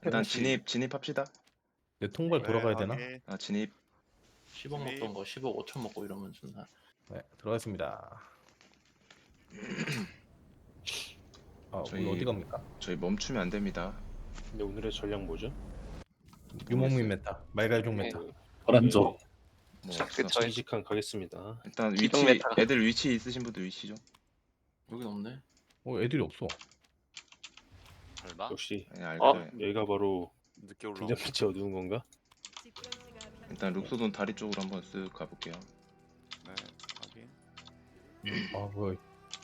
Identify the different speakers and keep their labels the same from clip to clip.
Speaker 1: 일단 진입합시다.
Speaker 2: 내 통발 돌아가야 되나?
Speaker 3: 확인.
Speaker 1: 아 진입.
Speaker 4: 10억 먹던 거 10억 5천 먹고 이러면 존나.
Speaker 2: 네, 들어가겠습니다. 아,
Speaker 1: 저희-
Speaker 2: 오늘 어디 갑니까?
Speaker 1: 저희 멈추면 안 됩니다.
Speaker 3: 근데 오늘의 전략 뭐죠?
Speaker 2: 유목민 메타, 말갈종 메타.
Speaker 5: 파란조.
Speaker 1: 뭐
Speaker 6: 그
Speaker 1: 없어.
Speaker 6: 저희
Speaker 3: 정직한 가겠습니다.
Speaker 1: 일단
Speaker 6: 기동
Speaker 1: 위치
Speaker 6: 메타가.
Speaker 1: 애들 위치 있으신 분들 위치 좀.
Speaker 4: 여긴 없네.
Speaker 2: 애들이 없어.
Speaker 7: 설마?
Speaker 3: 역시
Speaker 1: 네, 알
Speaker 6: 어?
Speaker 1: 거예요.
Speaker 3: 여기가 바로
Speaker 7: 늦게 올라.
Speaker 3: 등장빛이 어두운 건가?
Speaker 1: 일단 룩소돈 다리 쪽으로 한번 쓱 가볼게요.
Speaker 7: 네, 확인.
Speaker 2: 아, 뭐야?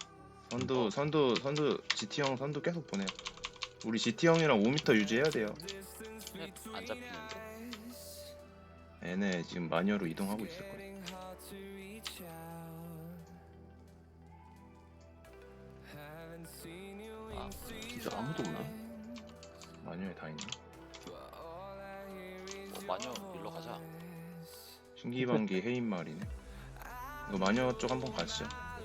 Speaker 1: 선두 GT 형 선두 계속 보내요. 우리 GT 형이랑 5m 유지해야 돼요.
Speaker 7: 안 잡히는데.
Speaker 1: 얘네 지금 마녀로 이동하고 있을 거예요.
Speaker 4: 아 진짜 아무도 없나?
Speaker 1: 마녀에 다 있네.
Speaker 7: 마녀 일로 가자.
Speaker 1: 신기반기 해인말이네. 이거 마녀 쪽 한번 가시죠.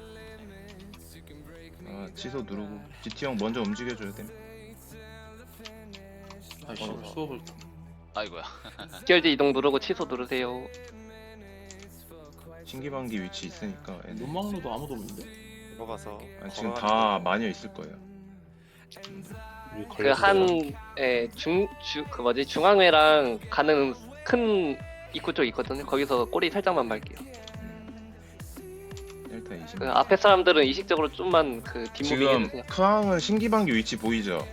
Speaker 1: 아 취소 누르고 GT 형 먼저 움직여줘야 돼.
Speaker 4: 아이씨 수업을
Speaker 7: 아이고야.
Speaker 6: 직결지 이동 누르고 취소 누르세요.
Speaker 1: 신기반기 위치 있으니까 얘네.
Speaker 4: 눈망로도 아무도 없는데.
Speaker 7: 들어가서.
Speaker 1: 아, 지금 다 마녀 있을 거예요.
Speaker 3: 우리
Speaker 6: 그
Speaker 3: 걸렸어요.
Speaker 6: 한 그 뭐지 중앙회랑 가는 큰 입구 쪽 있거든요. 거기서 꼬리 살짝만 밟게요.
Speaker 1: 일단 20.
Speaker 6: 그 앞에 사람들은 의식적으로 좀만 그 뒷목이
Speaker 1: 지금
Speaker 6: 해주세요.
Speaker 1: 크항은 신기반기 위치 보이죠?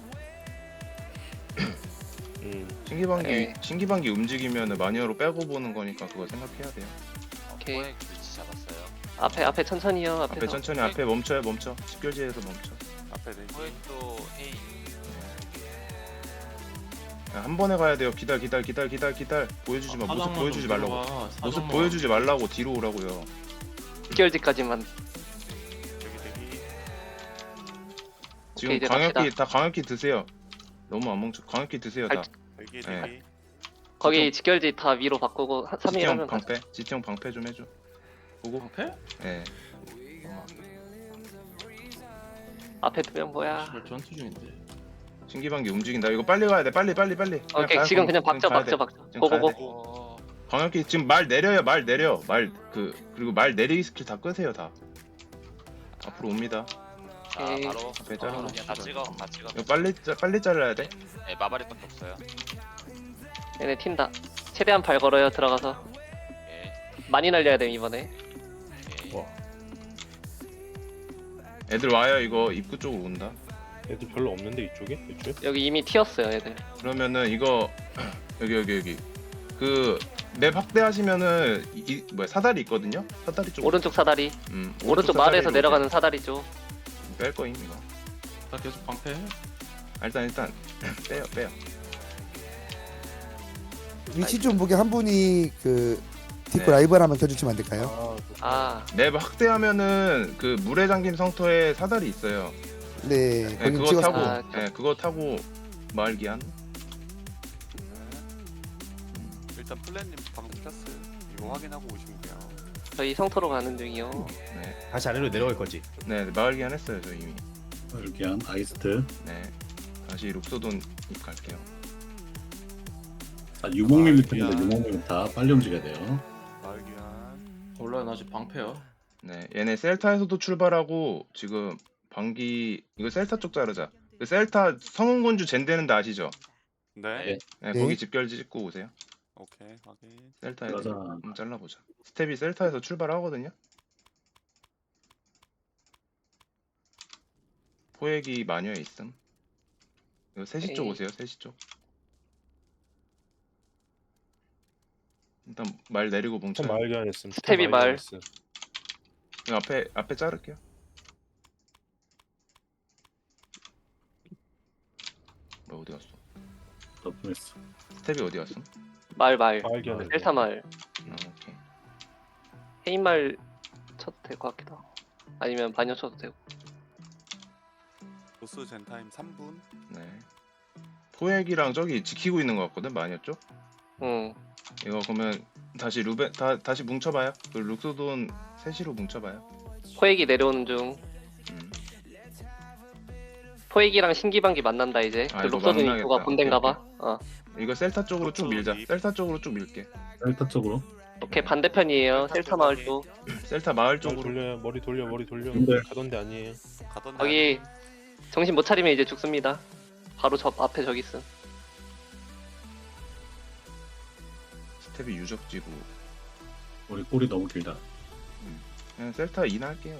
Speaker 6: 네.
Speaker 1: 신기반기 움직이면 마녀로 빼고 보는 거니까 그거 생각해야 돼요.
Speaker 6: 오케이.
Speaker 7: 포획 위치 잡았어요.
Speaker 6: 앞에 천천히요. 앞에서.
Speaker 1: 앞에 천천히 앞에 멈춰. 집결지에서 멈춰.
Speaker 7: 앞에 네. 포획도 헤이.
Speaker 1: 야, 한 번에 가야 돼요. 기다려. 보여주지 마. 모습 보여주지 말라고. 모습 보여주지 말라고 뒤로 오라고요.
Speaker 6: 직결지까지만.
Speaker 7: 대기.
Speaker 1: 지금
Speaker 6: 이제
Speaker 1: 광역기
Speaker 6: 갑시다.
Speaker 1: 다 광역기 드세요. 너무 안 멈춰. 광역기 드세요 다.
Speaker 7: 대기.
Speaker 1: 네.
Speaker 6: 거기 직결지 다 위로 바꾸고 3일
Speaker 1: 지형
Speaker 6: 하면 가자.
Speaker 1: 방패. 지형 방패 좀 해줘. 보고.
Speaker 4: 방패?
Speaker 1: 예.
Speaker 6: 앞에 두 명 뭐야?
Speaker 4: 씨발 전투 중인데.
Speaker 1: 신기반기 움직인다. 이거 빨리 가야 돼. 빨리.
Speaker 6: 오케이 지금 그냥 박자.
Speaker 1: 지금 가야
Speaker 6: 고고고.
Speaker 1: 돼.
Speaker 7: 어.
Speaker 1: 광역기 지금 말 내려요. 그리고 말 내리기 스킬 다 끄세요 다. 앞으로 옵니다.
Speaker 7: 자
Speaker 6: 오케이.
Speaker 7: 바로.
Speaker 1: 앞에 자르고.
Speaker 7: 그냥 다 찍어. 다 찍어.
Speaker 1: 이거 빨리 잘라야 돼.
Speaker 7: 네, 마바리밖에 없어요.
Speaker 6: 얘네 튄다. 최대한 발 걸어요. 들어가서
Speaker 7: 예.
Speaker 6: 많이 날려야 돼 이번에.
Speaker 7: 예.
Speaker 2: 와,
Speaker 1: 애들 와요. 이거 입구 쪽으로 온다.
Speaker 3: 애들 별로 없는데 이쪽에? 이쪽에?
Speaker 6: 여기 이미 튀었어요 애들.
Speaker 1: 그러면은 이거 여기 그 맵 확대하시면은 뭐야 사다리 있거든요. 사다리 쪽.
Speaker 6: 오른쪽 사다리. 오른쪽
Speaker 1: 사다리로
Speaker 6: 마을에서
Speaker 1: 오세요.
Speaker 6: 내려가는 사다리 쪽.
Speaker 1: 뺄 거임 이거.
Speaker 4: 나 계속 방패.
Speaker 1: 일단 빼요.
Speaker 8: 위치 좀 보게 한 분이 그 디코
Speaker 1: 네.
Speaker 8: 라이브를 한번 켜주시면 안 될까요?
Speaker 6: 아
Speaker 1: 맵 확대하면은 그 물에 잠긴 성터에 사다리 있어요.
Speaker 8: 네,
Speaker 1: 네,
Speaker 8: 거기
Speaker 1: 그거
Speaker 8: 찍었어요.
Speaker 1: 타고
Speaker 6: 아,
Speaker 1: 그거 타고 마을 기한.
Speaker 7: 일단 플랜님 방금 켰어요. 이거 확인하고 오시면 돼요.
Speaker 6: 저희 성토로 가는 중이요.
Speaker 1: 네.
Speaker 2: 다시 아래로 내려갈 거지.
Speaker 1: 네, 마을 기한 했어요, 저 이미.
Speaker 5: 이렇게 아이스트.
Speaker 1: 네. 다시 룩소돈 입 갈게요.
Speaker 5: 자, 유목민 밑입니다. 유목민 밑다 빨리 움직여야 돼요.
Speaker 7: 마을기한.
Speaker 4: 몰라요 나 아직 방패야.
Speaker 1: 네, 얘네 셀타에서도 출발하고 지금 방기 이거 셀타 쪽 자르자. 그 셀타 성운군주 젠되는데 아시죠?
Speaker 7: 네.
Speaker 1: 네,
Speaker 8: 네.
Speaker 1: 거기 집결지 찍고 오세요.
Speaker 7: 오케이 확인.
Speaker 1: 셀타에서
Speaker 5: 맞아.
Speaker 1: 한번 잘라보자. 스텝이 셀타에서 출발하거든요. 포획이 마녀에 있음. 이거 3시 쪽
Speaker 6: 에이.
Speaker 1: 오세요. 3시 쪽. 일단 말 내리고
Speaker 3: 참
Speaker 1: 뭉쳐요.
Speaker 3: 마을 교환했음.
Speaker 6: 스텝이 말.
Speaker 1: 이거 앞에 자를게요. 뭐 어디 갔어?
Speaker 5: 덮어냈어.
Speaker 1: 스텝이 어디 갔어?
Speaker 6: 마을
Speaker 3: 마을 교환.
Speaker 6: 델타 마을.
Speaker 1: 오케이.
Speaker 6: 헤인 마을 쳐도 될 것 같기도 하고. 아니면 반여 쳐도 되고.
Speaker 7: 보스 젠타임 3분.
Speaker 1: 네. 포획이랑 저기 지키고 있는 것 같거든 마녀 쪽.
Speaker 6: 응.
Speaker 1: 이거 그러면 다시 다시 뭉쳐봐요. 그 룩소돈 3시로 뭉쳐봐요.
Speaker 6: 포획이 내려오는 중.
Speaker 1: 음.
Speaker 6: 포획이랑 신기방기 만난다 이제.
Speaker 1: 아,
Speaker 6: 그
Speaker 1: 이거
Speaker 6: 록서든
Speaker 1: 만나겠다.
Speaker 6: 입구가 본대인가봐.
Speaker 1: 오케이,
Speaker 6: 어.
Speaker 1: 이거 셀타 쪽으로 쭉 밀자.
Speaker 7: 록서든
Speaker 1: 셀타 쪽으로 쭉 밀게.
Speaker 5: 셀타 쪽으로.
Speaker 6: 오케이 반대편이에요. 셀타 마을 쪽.
Speaker 1: 셀타 마을
Speaker 3: 머리
Speaker 1: 쪽으로.
Speaker 3: 돌려요. 머리 돌려.
Speaker 5: 근데-
Speaker 3: 가던 데 아니에요.
Speaker 7: 가던
Speaker 6: 거기 정신 못 차리면 이제 죽습니다. 바로 저 앞에 저기 있음.
Speaker 1: 스텝이 유적지고.
Speaker 5: 우리 골이 너무 길다.
Speaker 1: 그냥 셀타 2나 할게요.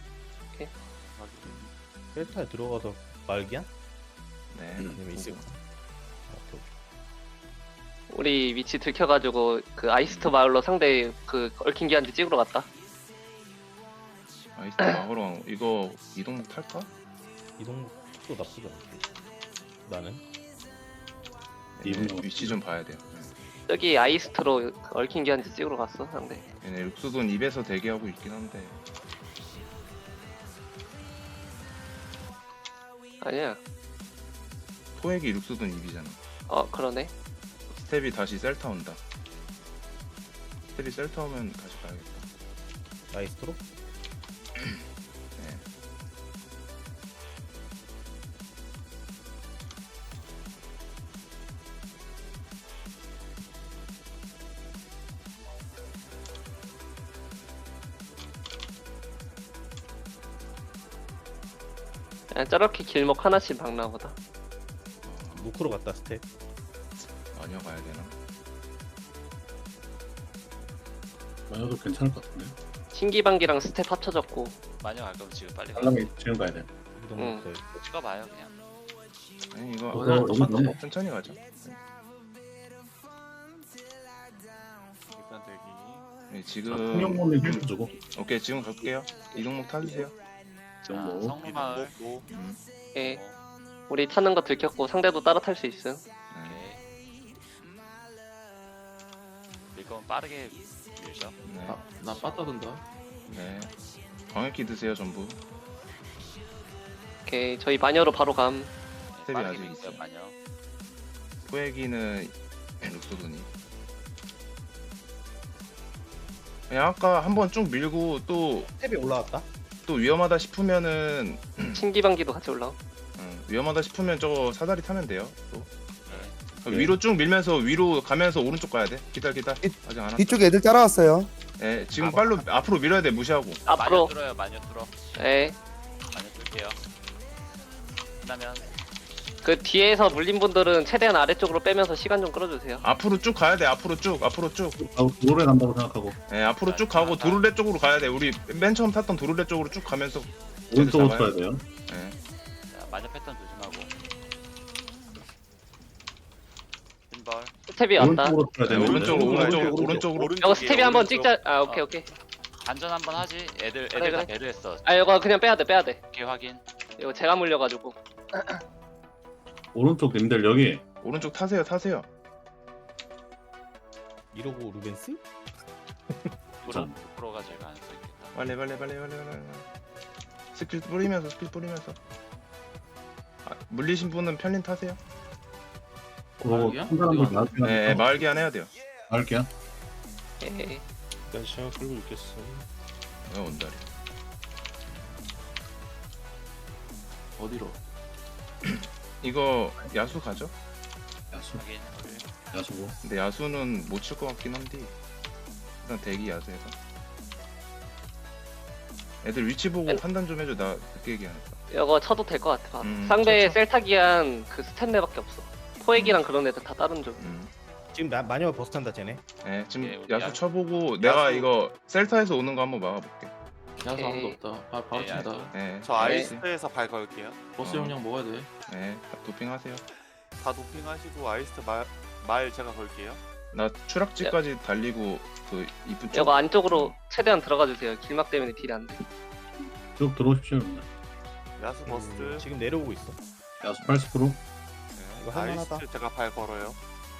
Speaker 2: 셀타에 들어가서 말기야?
Speaker 1: 네.
Speaker 2: 아니면 있을 거.
Speaker 6: 우리 위치 들켜가지고 그 아이스트 마을로 상대 그 얽힌 기한지 찍으러 갔다.
Speaker 1: 아이스트 마을왕 이거 이동목 탈까?
Speaker 2: 이동도 나쁘지 않아. 나는
Speaker 5: 이동목
Speaker 1: 얘네 위치 좀 봐야 돼요.
Speaker 6: 저기 아이스트로 그 얽힌 기한지 찍으러 갔어 상대.
Speaker 1: 얘네 룩스돈 입에서 대기하고 있긴 한데.
Speaker 6: 아니야.
Speaker 1: 포획이 룩스돈 입이잖아.
Speaker 6: 그러네.
Speaker 1: 스텝이 다시 셀타 온다. 스텝이 셀타 오면 다시 가야겠다.
Speaker 2: 아이스트로?
Speaker 1: 네.
Speaker 6: 그냥 저렇게 길목 하나씩 박나 보다.
Speaker 2: 노크로 갔다 스텝.
Speaker 1: 마녀 가야 되나?
Speaker 5: 마녀도 괜찮을 것 같은데.
Speaker 6: 신기방기랑 스텝 합쳐졌고.
Speaker 7: 마녀 갈 거면 지금 빨리 가.
Speaker 5: 빨라면 지금 가야 돼.
Speaker 2: 이동
Speaker 6: 응.
Speaker 2: 없어요.
Speaker 7: 찍어봐요 그냥.
Speaker 1: 아니 이거
Speaker 5: 그거 여기 너무
Speaker 1: 천천히 가자.
Speaker 7: 일단 대기.
Speaker 1: 네,
Speaker 5: 자,
Speaker 1: 지금
Speaker 5: 통영문을 해주고.
Speaker 1: 오케이 지금 갈게요. 이동목 타주세요.
Speaker 7: 자
Speaker 5: 정보.
Speaker 7: 성마을.
Speaker 6: 예. 우리 타는 거 들켰고 상대도 따라 탈 수 있음.
Speaker 1: 네.
Speaker 7: 오케이. 밀 거면 빠르게 밀죠.
Speaker 1: 네.
Speaker 4: 나 빠따든다.
Speaker 1: 네. 광역기 드세요 전부.
Speaker 6: 오케이 저희 마녀로 바로 감.
Speaker 1: 스텝이
Speaker 7: 빠르게
Speaker 1: 아직
Speaker 7: 밀게요
Speaker 1: 있어요.
Speaker 7: 마녀.
Speaker 1: 포획이는 룩소돈이. 그냥 아까 한번 쭉 밀고 또
Speaker 2: 스텝이 올라왔다.
Speaker 1: 위험하다 싶으면은
Speaker 6: 신기방기도 같이 올라오.
Speaker 1: 위험하다 싶으면 저거 사다리 타면 돼요. 또
Speaker 7: 네.
Speaker 1: 위로 쭉 밀면서 위로 가면서 오른쪽 가야 돼. 기다. 아직 안 왔다.
Speaker 8: 뒤쪽에 애들 따라왔어요.
Speaker 1: 네, 지금 빨로 앞으로 밀어야 돼. 무시하고.
Speaker 6: 앞으로.
Speaker 7: 마녀 뚫어요 마녀 뚫어.
Speaker 6: 예.
Speaker 7: 마녀 뚫게요. 그다면
Speaker 6: 그 뒤에서 물린 분들은 최대한 아래쪽으로 빼면서 시간 좀 끌어주세요.
Speaker 1: 앞으로 쭉 가야 돼. 앞으로 쭉.
Speaker 5: 도로에 간다고 생각하고.
Speaker 1: 네, 앞으로 쭉 가고 도르래 쪽으로 가야 돼. 우리 맨 처음 탔던 도르래 쪽으로 쭉 가면서.
Speaker 5: 오른쪽으로
Speaker 1: 잡아요.
Speaker 5: 쳐야 돼요.
Speaker 1: 네.
Speaker 7: 자, 마녀 패턴 조심하고. 빈벌.
Speaker 6: 스텝이 왔다.
Speaker 5: 오른쪽으로 쳐야
Speaker 1: 네,
Speaker 5: 되는데.
Speaker 1: 오른쪽으로.
Speaker 6: 이거 스텝이 한번 찍자. 오케이 오케이.
Speaker 7: 안전 한번 하지. 애들
Speaker 6: 그래,
Speaker 7: 다
Speaker 6: 그래.
Speaker 7: 배려했어.
Speaker 6: 이거 그냥 빼야 돼.
Speaker 7: 오케이 확인.
Speaker 6: 이거 제가 물려가지고.
Speaker 5: 오른쪽 님들 여기.
Speaker 1: 오른쪽 타세요.
Speaker 2: 이러고 루벤스?
Speaker 7: 프로가 제일 가능성 있겠다.
Speaker 1: 빨리. 스킬 뿌리면서. 물리신 분은 편린 타세요.
Speaker 5: 그거
Speaker 4: 마을이야?
Speaker 5: 한 사람들
Speaker 4: 어디가?
Speaker 5: 나한테
Speaker 1: 네, 마을기한 해야 돼요.
Speaker 5: 마을게요.
Speaker 6: 예.
Speaker 3: 일단 시간 끌고 있겠어.
Speaker 1: 온다리.
Speaker 4: 어디로?
Speaker 1: 이거 야수 가죠?
Speaker 5: 야수.
Speaker 7: 확인.
Speaker 5: 야수고.
Speaker 1: 근데 야수는 못 칠 것 같긴 한데 일단 대기 야수해서 애들 위치 보고 판단 좀 해줘. 나 늦게 얘기하니까.
Speaker 6: 이거 쳐도 될 것 같아.
Speaker 1: 음,
Speaker 6: 상대
Speaker 1: 쳐.
Speaker 6: 셀타기한 그 스탠레밖에 없어. 포획이랑 그런 애들 다 다른 쪽.
Speaker 2: 지금 마녀가 버스 탄다 쟤네.
Speaker 1: 네, 지금
Speaker 7: 예, 우리
Speaker 1: 야수
Speaker 7: 야수.
Speaker 1: 쳐보고 내가 이거 셀타에서 오는 거 한번 막아볼게.
Speaker 4: 야수 아무도
Speaker 6: 오케이.
Speaker 4: 없다. 바로
Speaker 7: 네,
Speaker 4: 친다.
Speaker 7: 야수.
Speaker 1: 네,
Speaker 7: 저 아이스트에서 발 걸게요.
Speaker 4: 버스
Speaker 1: 어.
Speaker 4: 용량 먹어야 돼.
Speaker 1: 네, 도핑하세요.
Speaker 7: 다 도핑하시고 아이스트 말 제가 걸게요.
Speaker 1: 나 추락지까지 달리고 그 이쁜 쪽.
Speaker 6: 이거 안쪽으로 최대한 들어가 주세요. 길막 때문에 딜이 안 돼.
Speaker 5: 쭉 들어오십시오. 여러분들.
Speaker 7: 야수
Speaker 2: 지금 내려오고 있어.
Speaker 5: 야수 80%.
Speaker 2: 이거 할만하다.
Speaker 7: 제가 발 걸어요.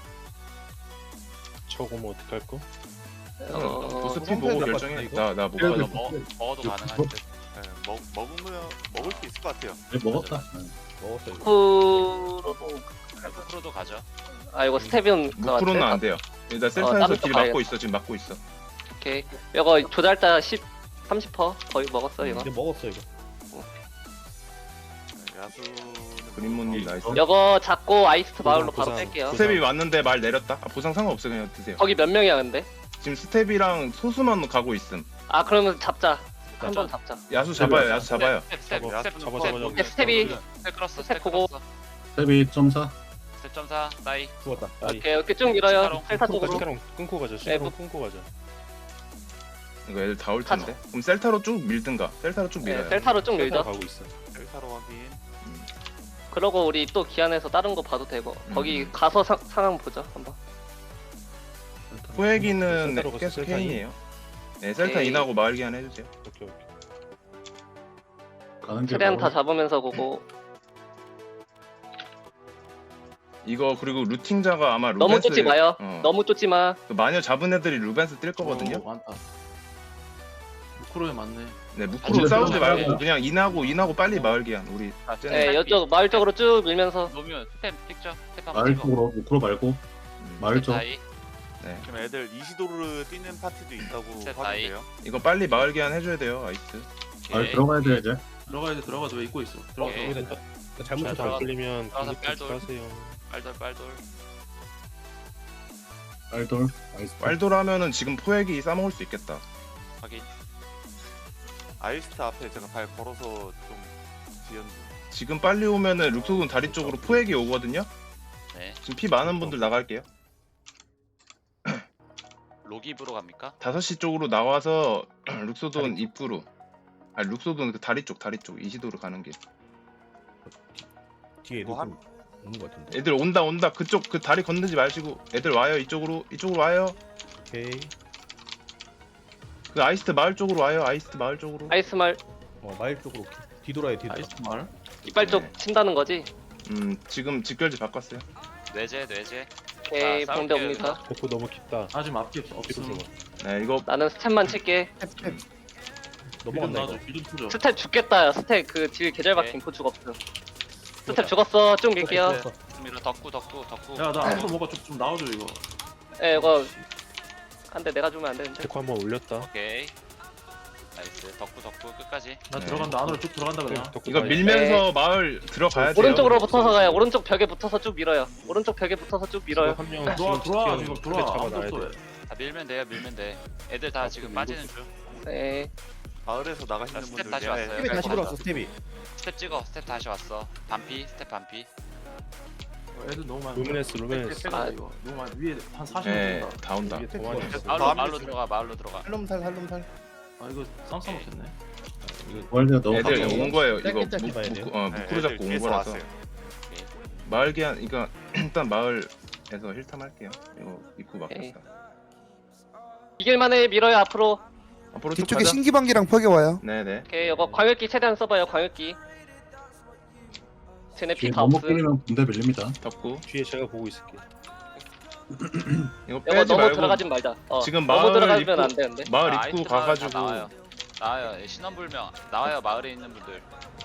Speaker 3: 저거면 어떡할 거?
Speaker 1: 보스피
Speaker 2: 상대
Speaker 1: 보고
Speaker 2: 나빴다,
Speaker 1: 결정해.
Speaker 2: 이거?
Speaker 1: 나못
Speaker 5: 그래도
Speaker 1: 가져.
Speaker 7: 먹어도 가능할 듯. 먹으면 먹을 수 있을 것 같아요.
Speaker 5: 네, 먹었다.
Speaker 2: 먹었어 이거.
Speaker 6: 프로도
Speaker 7: 프로도 가죠.
Speaker 6: 이거 스텝은
Speaker 1: 무프로는 안 돼요. 나 셀타에서
Speaker 6: 다른
Speaker 1: 딜
Speaker 6: 쪽
Speaker 1: 막고 있어. 지금 막고 있어.
Speaker 6: 오케이. 이거 조달자 30% 거의 먹었어 이거.
Speaker 2: 이제 먹었어 이거.
Speaker 7: 야수는
Speaker 1: 그린몬님 나이스.
Speaker 6: 이거 잡고 아이스트 마을로
Speaker 3: 보상,
Speaker 6: 바로 뺄게요.
Speaker 3: 보상.
Speaker 1: 스텝이 왔는데 말 내렸다. 아, 보상 상관없어 그냥 드세요.
Speaker 6: 거기 몇 명이야 근데?
Speaker 1: 지금 스텝이랑 소수만 가고 있음.
Speaker 6: 아 그러면 잡자. 한 번 잡자.
Speaker 1: 야수 잡아요. 야수 잡아요.
Speaker 4: 스텝
Speaker 3: 잡아,
Speaker 4: 스텝
Speaker 3: 잡아,
Speaker 4: 스텝
Speaker 3: 잡아.
Speaker 4: 스텝
Speaker 6: 스텝이
Speaker 4: 스텝 끌었어
Speaker 6: 스텝
Speaker 4: 스텝
Speaker 6: 보고.
Speaker 4: 끌었어
Speaker 5: 스텝이 2.4.
Speaker 4: 스텝 점사 나이
Speaker 2: 죽었다.
Speaker 3: 아이.
Speaker 6: 오케이 이렇게 쭉 밀어요.
Speaker 4: 시카롱.
Speaker 6: 셀타 쪽으로.
Speaker 3: 시카롱 끊고 가자. 시카롱 끊고 가자.
Speaker 1: 이거 애들 다 올 텐데. 그럼 셀타로 쭉 밀든가. 셀타로 쭉
Speaker 6: 네,
Speaker 1: 밀어요.
Speaker 6: 셀타로 쭉 밀죠.
Speaker 3: 가고 있어.
Speaker 7: 셀타로 확인.
Speaker 6: 그러고 우리 또 기안에서 다른 거 봐도 되고 거기 가서 상황 보자 한번.
Speaker 1: 포획이는
Speaker 3: 셀타로 갔어,
Speaker 1: 계속
Speaker 3: 셀타
Speaker 1: 케인이에요. 네, 셀타
Speaker 6: 오케이.
Speaker 1: 인하고 마을 기한 해주세요.
Speaker 3: 오케이 오케이.
Speaker 5: 가는 길
Speaker 6: 최대한 다
Speaker 5: 바로.
Speaker 6: 잡으면서 보고.
Speaker 1: 이거 그리고 루팅자가 아마 루벤스
Speaker 6: 너무 쫓지 마요. 너무 쫓지 마.
Speaker 1: 그 마녀 잡은 애들이 루벤스 뛸 거거든요.
Speaker 4: 많다 루크로에 맞네
Speaker 1: 네, 무크로
Speaker 5: 아,
Speaker 1: 싸우지
Speaker 5: 그러면
Speaker 1: 말고 그냥 인하고 빨리 마을 기한 우리.
Speaker 6: 네, 이쪽 마을 쪽으로 쭉 밀면서.
Speaker 4: 노면 스텝 찍죠 스텝 한번
Speaker 5: 마을
Speaker 4: 찍어
Speaker 5: 쪽으로 우크로 말고 마을 쪽.
Speaker 4: 나이
Speaker 7: 지금 애들 이시도르 뛰는 파티도 있다고
Speaker 4: 스텝
Speaker 7: 확인돼요.
Speaker 1: 이거 빨리 마을 기한 해줘야 돼요, 아이스.
Speaker 5: 마을
Speaker 4: 오케이.
Speaker 5: 들어가야 돼 이제.
Speaker 4: 들어가야 돼 들어가도 왜 입고 있어 들어가
Speaker 3: 네.
Speaker 4: 들어가
Speaker 2: 잘못
Speaker 3: 잘
Speaker 2: 쳤다.
Speaker 3: 걸리면
Speaker 4: 들어가서
Speaker 3: 공격
Speaker 4: 깔돌.
Speaker 3: 하세요.
Speaker 4: 빨돌 빨돌
Speaker 5: 빨돌. 아이스.
Speaker 1: 빨돌 하면은 지금 포획이 싸먹을 수 있겠다.
Speaker 4: 확인
Speaker 7: 아이스트 앞에 제가 발 걸어서 좀 지었는데.
Speaker 1: 지금 빨리 오면은 룩소돈 다리 쪽으로 포획이 오거든요.
Speaker 4: 네
Speaker 1: 지금 피 많은 분들 나갈게요.
Speaker 4: 로기브로 갑니까?
Speaker 1: 5시 쪽으로 나와서 룩소돈 입구로. 아, 룩소돈 그 다리 쪽 이시도로 가는 길.
Speaker 2: 뒤에
Speaker 7: 뭐
Speaker 2: 누구 있는 것 같은데.
Speaker 1: 애들 온다. 그쪽 그 다리 건너지 마시고 애들 와요. 이쪽으로 와요.
Speaker 2: 오케이.
Speaker 1: 그 아이스트 마을 쪽으로 와요. 아이스트 마을 쪽으로.
Speaker 6: 아이스 말
Speaker 2: 마을 쪽으로 뒤돌아요.
Speaker 4: 아이스 말
Speaker 6: 이빨 쪽 친다는 거지.
Speaker 1: 지금 직결지 바꿨어요.
Speaker 4: 뇌제
Speaker 6: 오케이
Speaker 4: 자,
Speaker 6: 병대
Speaker 4: 싸울게요,
Speaker 6: 옵니다.
Speaker 3: 대포 너무 깊다.
Speaker 4: 아직 앞뒤
Speaker 3: 뒤로
Speaker 4: 없음
Speaker 3: 들어가.
Speaker 1: 네, 이거
Speaker 6: 나는 스텝만 칠게.
Speaker 2: 넘어간다 이거.
Speaker 4: 비좀 투죠
Speaker 6: 스텝 죽겠다. 야. 스텝 그 딜 계절 박힌 포축 없음. 스텝 죽었어. 쭉 밀게요.
Speaker 4: 밀어 덕구
Speaker 9: 야나 앞으로 뭐가 좀 나와줘 이거.
Speaker 6: 예, 이거 안돼 내가 주면 안 되는데.
Speaker 3: 대포 한번 올렸다.
Speaker 4: 오케이 나이스 덕구 끝까지
Speaker 9: 나
Speaker 1: 네.
Speaker 9: 들어간다 안으로 쭉 들어간다 그냥.
Speaker 3: 덕구
Speaker 1: 이거
Speaker 3: 가야
Speaker 1: 밀면서 마을 들어가야 돼요.
Speaker 6: 오른쪽으로 붙어서 가요. 오른쪽 벽에 붙어서 쭉 밀어요. 오른쪽 벽에 붙어서 쭉 밀어요.
Speaker 3: 한명
Speaker 9: 들어와 지금 들어와.
Speaker 3: 잡아놔야
Speaker 9: 아무것도
Speaker 3: 돼.
Speaker 4: 다 밀면 돼요 애들 다 지금 빠지는 중
Speaker 6: 네.
Speaker 7: 마을에서 나가시는
Speaker 4: 스텝
Speaker 7: 분들
Speaker 4: 다시
Speaker 7: 얘네
Speaker 4: 왔어요.
Speaker 2: 스텝이 다시 들어왔어 스텝이.
Speaker 4: 스텝 찍어 스텝 다시 왔어 스텝 반피
Speaker 9: 애들 너무 많아.
Speaker 3: 루미네스.
Speaker 6: 아,
Speaker 9: 이거 너무 많아. 위에 한 40명
Speaker 1: 네,
Speaker 9: 된다.
Speaker 1: 다 온다.
Speaker 3: 이게 더 많이 있어.
Speaker 4: 마을로 들어가
Speaker 2: 살롬살.
Speaker 9: 아 이거 쌈 싸먹겠네.
Speaker 5: 월드가 너무
Speaker 1: 애들
Speaker 5: 가까워.
Speaker 1: 온 거예요. 이거
Speaker 2: 짧게 봐야 돼요.
Speaker 7: 네,
Speaker 1: 무크로
Speaker 7: 애들
Speaker 1: 잡고 온
Speaker 7: 뒤에서
Speaker 1: 거라서.
Speaker 7: 왔어요.
Speaker 1: 마을 기한 이거 일단 마을에서 힐탐 할게요. 이거 입구
Speaker 6: 오케이.
Speaker 1: 막혔다.
Speaker 6: 이길만해 밀어요 앞으로.
Speaker 1: 앞으로 쭉
Speaker 8: 뒤쪽에
Speaker 1: 가자.
Speaker 8: 신기방기랑 퍽이 와요.
Speaker 1: 네네.
Speaker 6: 오케이 이거 광역기 최대한 써봐요. 광역기. 쟤네
Speaker 5: 뒤에
Speaker 6: 피 다
Speaker 5: 너무
Speaker 6: 없음.
Speaker 5: 끼리면 군대 밀립니다.
Speaker 1: 덕구.
Speaker 3: 뒤에 제가 보고 있을게.
Speaker 1: 이거
Speaker 6: 이거
Speaker 1: 빼지
Speaker 6: 너무
Speaker 1: 말고
Speaker 6: 들어가진 말자.
Speaker 1: 지금
Speaker 6: 너무
Speaker 1: 마을
Speaker 6: 들어가면
Speaker 1: 입구
Speaker 6: 안 되는데.
Speaker 1: 마을
Speaker 4: 아,
Speaker 1: 입구
Speaker 4: 아이스트 마을 다
Speaker 1: 가가지고
Speaker 4: 나와요 신원불명 나와요 마을에 있는 분들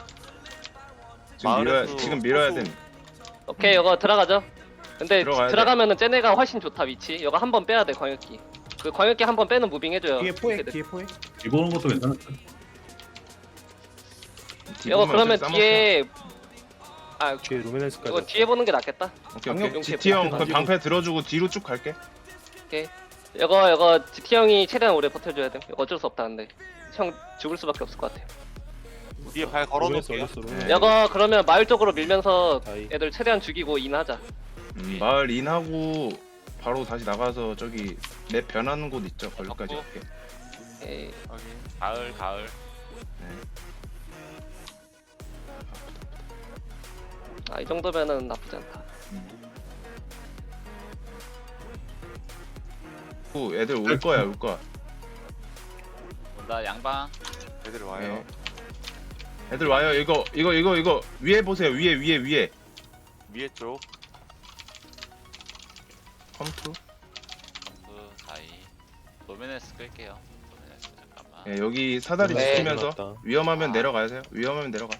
Speaker 7: 마을에서
Speaker 1: 지금 밀어야
Speaker 7: 소수-
Speaker 1: 됨.
Speaker 6: 오케이 이거 들어가죠. 근데
Speaker 1: 들어가야 돼.
Speaker 6: 들어가면은 쟤네가 훨씬 좋다 위치. 이거 한 번 빼야 돼 광역기. 그 광역기 한 번 빼는 무빙 해줘요.
Speaker 2: 뒤에 포획.
Speaker 6: 걔들.
Speaker 2: 뒤에 포획.
Speaker 5: 이보는 것도 괜찮았어.
Speaker 6: 이거 그러면
Speaker 1: 싸먹자.
Speaker 6: 뒤에 아
Speaker 3: 뒤에 루미네스까지.
Speaker 6: 이거 뒤에 보는 게 낫겠다.
Speaker 1: 오케이
Speaker 6: 방역
Speaker 1: 오케이.
Speaker 6: 용체
Speaker 1: GT 형
Speaker 6: 방패
Speaker 1: 그 방패 들어주고 뒤로 쭉 갈게.
Speaker 6: 이거 GT 형이 최대한 오래 버텨줘야 돼. 이거 어쩔 수 없다 근데 형 죽을 수밖에 없을 것 같아요.
Speaker 7: 뒤에 발
Speaker 3: 루미네스
Speaker 7: 걸어놓을게요.
Speaker 3: 올렸어. 루미네스.
Speaker 1: 네.
Speaker 6: 이거 그러면 마을 쪽으로 밀면서
Speaker 3: 다이.
Speaker 6: 애들 최대한 죽이고 인하자.
Speaker 1: 마을 인하고 바로 다시 나가서 저기 맵 변하는 곳 있죠. 거기까지
Speaker 4: 덕구.
Speaker 1: 갈게.
Speaker 6: 에이,
Speaker 4: 가을
Speaker 6: 아, 이 정도면은 나쁘지 않다.
Speaker 1: 애들 올 거야 올 거야.
Speaker 4: 온다 양방
Speaker 7: 애들 와요.
Speaker 1: 네. 애들 와요. 이거 위에 보세요. 위에
Speaker 7: 위에 쪽.
Speaker 1: 컴투.
Speaker 4: 다이 노메네스 끌게요 노메네스 잠깐만
Speaker 1: 예, 여기 사다리
Speaker 6: 네.
Speaker 1: 지키면서
Speaker 3: 맞다.
Speaker 1: 위험하면 내려가세요. 위험하면 내려가.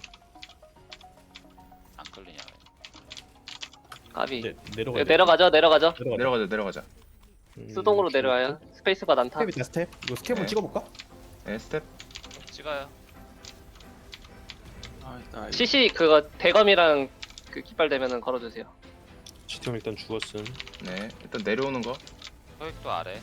Speaker 4: 안 끌리냐
Speaker 6: 가비.
Speaker 2: 이제
Speaker 6: 이거
Speaker 2: 내려가야 돼.
Speaker 6: 내려가죠.
Speaker 1: 내려가자.
Speaker 6: 수동으로 내려와요. 스페이스바 난타.
Speaker 2: 스텝이다 스텝. 이거 스텝 한번
Speaker 1: 네.
Speaker 2: 찍어볼까?
Speaker 1: 네, 스텝.
Speaker 4: 찍어요
Speaker 9: 아 일단
Speaker 6: CC 그거 대검이랑 그 깃발 되면은 걸어주세요.
Speaker 3: 지금 일단 죽었음.
Speaker 1: 네, 일단 내려오는 거.
Speaker 4: 소액도 아래.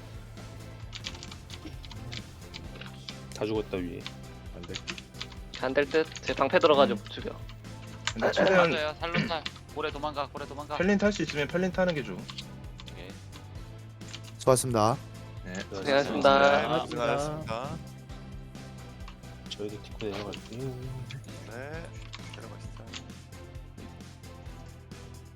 Speaker 3: 다 죽었다 위에.
Speaker 2: 안 돼.
Speaker 6: 안 될 듯. 제 방패 들어가지고 죽여.
Speaker 1: 근데 최대한
Speaker 4: 맞아요. 살로탈. 고래 도망가. 고래 도망가.
Speaker 1: 펠린 탈 수 있으면 펠린 타는 게 좋아.
Speaker 4: 오케이.
Speaker 8: 수고하셨습니다.
Speaker 1: 네.
Speaker 6: 고생하셨습니다.
Speaker 7: 수고하셨습니다.
Speaker 3: 저희도 딛고 내려갈게요.
Speaker 7: 네. 내려가시죠.